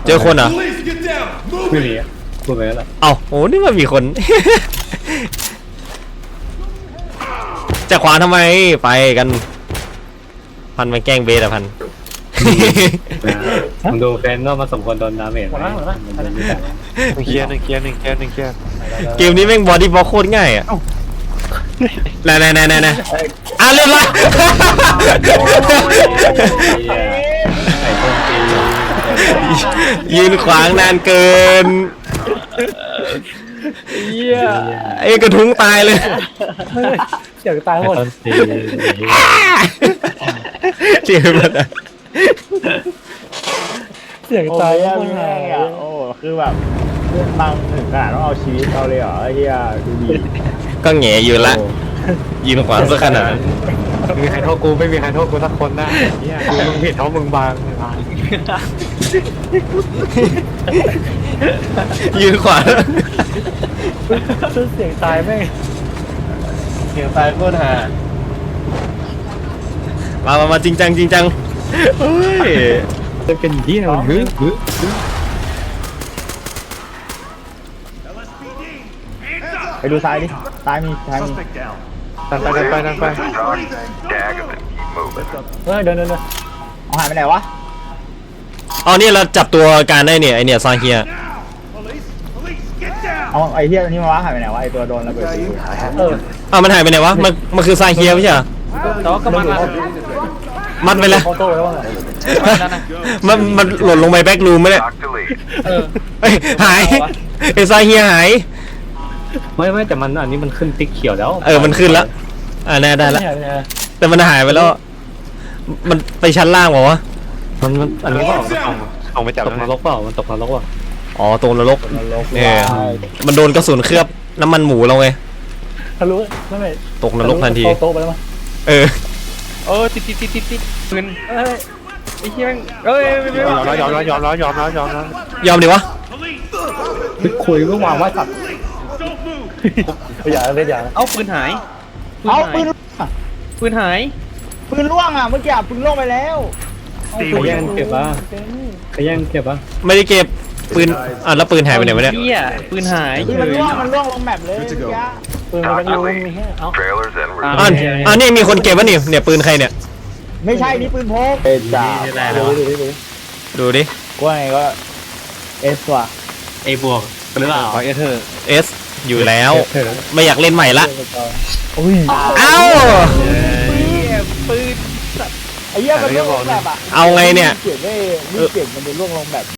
เจอคนเหรอไม่มีอ่ะพูดไปแล้วแหละเอ้าโอ้นี่มันมีคน จะขวางทำไมไปกันพันมาแกล้งเบสอะพันมึงดูแฟนก็มาสมควรโดนดาเมจไหมเคลียร์หนึ่งเคลียร์หนึ่งเคลียร์หนึ่งเคลียร์เกมนี้แม่งบอดี้บล็อกโคตรง่ายอะไหนเรียบร้อยไอ้คนตียืนขวางนานเกินไอ้กระทุ้งตายเลยเสียงตายหมดต้นตีเสียมันอะเสียงโอ้ตายยหมดแม่งอ่ะโอ้คือแบบเพื่อนตังถึงขนาดต้องเอาชีวิตเขาเลยเหรอไอ้เหี้ยดูดีก็แหง่อยู่ละยืนขวางซะขนาดนั้นไม่มีใครโทษกูไม่มีใครโทษกูสักคนนะเนี่ยกูมึงผิดเพราะมึงบางยืนขวางเสียงตายแม่งเสียงตายโคตรห่ามาจริงจังเฮ้ยจะเป็นที่เราหรือไปดูซ้ายดิซ้ายมีซ้ายมีดันไปดันไปดันไปเฮ้ยเดินเอาหายไปไหนวะเอาเนี่ยเราจับตัวการได้เนี่ยไอเนี่ยซาเฮียเอาไอ้เหี้ยนี่มาวะหายไปไหนวะไอ้ตัวโดนระเบิดอ้าวมันหายไปไหนวะมันคือซาเฮียไม่ใช่เหรอแต่ว่าก็มันมัดไปแล้วโต้แล้วว่ามันหล่นลงไปแบ็กรูมไม่ได้เอ้ยหายไอซาเฮียหายไม่แต่มันอันนี้มันขึ้นติ๊กเขียวแล้วมันขึ้นแล้วแน่ได้แล้วแต่มันหายไปแล้วมันไปชั้นล่างเปล่าวะมันอันนี้ก็ออกออกไปจับตกนรกเปล่ามันตกนรกเปล่าอ๋อตรงนรกเนี่ยมันโดนกระสุนเคลือบน้ำมันหมูเราไงทะลุไม่ตกนรกทันทีโต๊ะไปแล้วมั้งติดปืนไอ้เหี้ยยอมแล้วยอมดิวะคุยก็วางว่าสัตว์อย่าเล่นอย่าเอ้าปืนหายเอาปืนปืนหายปืนล่วงอ่ะเมื่อกี้ปืนล่วงไปแล้วขย่งเก็บป่ะขย่งเก็บป่ะไม่ได้เก็บปืนแล้วปืนหายไปไหนวะเนี่ยเหี้ยปืนหายปืนมันล่วงลงแมปเลยเมื่อกี้ปืนมันก็รู้มีแค่เอ้านี่มีคนเก็บวะนี่เนี่ยปืนใครเนี่ยไม่ใช่นี่ปืนพกเอจ่าดูดิกูว่าไงก็เอสว่ะเอบวกหรือเปล่าขอเอเธอร์ S อยู่แล้วไม่อยากเล่นใหม่ละอุ้ยเอ้าปืนไอ้เหี้ยมันล่วงลงแบบอ่ะเอาไงเนี่ยเก็บไม่เก็บมันจะล่วงลงแบบ